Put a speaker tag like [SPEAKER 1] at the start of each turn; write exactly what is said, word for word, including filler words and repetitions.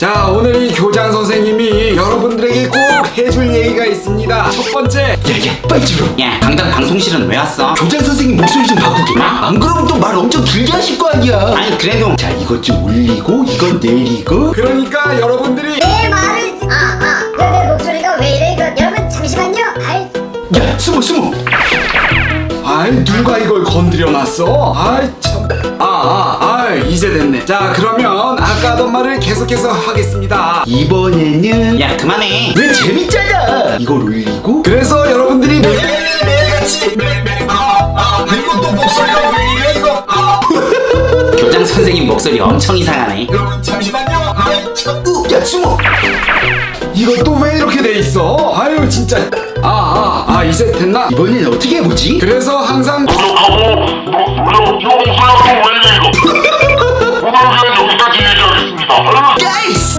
[SPEAKER 1] 자, 오늘 이 교장 선생님이 여러분들에게 꼭 해줄 얘기가 있습니다. 첫 번째,
[SPEAKER 2] 야야 빨리 들어.
[SPEAKER 3] 야, 강당 방송실은 왜 왔어?
[SPEAKER 2] 교장 선생님 목소리 좀 바꾸게. 안 그러면 또 말 엄청 길게 하실 거 아니야.
[SPEAKER 3] 아니 그래도
[SPEAKER 2] 자 이것 좀 올리고 이건 내리고.
[SPEAKER 1] 그러니까 여러분들이
[SPEAKER 4] 내 말을 아아 내 목소리가 왜 이래 이거 여러분 잠시만요. 아이
[SPEAKER 2] 야 숨어 숨어.
[SPEAKER 1] 아이 누가 이걸 건드려놨어? 아이 참. 아, 아, 아, 이제 됐네. 자, 그러면 아까 하던 말을 계속해서 하겠습니다.
[SPEAKER 2] 이번에는
[SPEAKER 3] 야 그만해.
[SPEAKER 2] 왜 재밌잖아. 이걸 올리고.
[SPEAKER 1] 그래서 여러분들이 매일매일같이 매일매일 아, 아, 이것도 목소리가 왜 이래 이거? 아.
[SPEAKER 3] 교장 선생님 목소리 엄청 이상하네.
[SPEAKER 1] 여러분 잠시만요. 아이 참.
[SPEAKER 2] 으, 야 숨어.
[SPEAKER 1] 이것도 왜 이렇게 돼 있어? 아유 진짜. 아, 아, 아, 이제 됐나?
[SPEAKER 2] 이번엔 어떻게 해보지?
[SPEAKER 1] 그래서 항상
[SPEAKER 5] 노력하고 노력 이거 목소리가 왜 이래 이거 오늘은 여기까지 얘기하겠습니다.
[SPEAKER 2] 야이씨.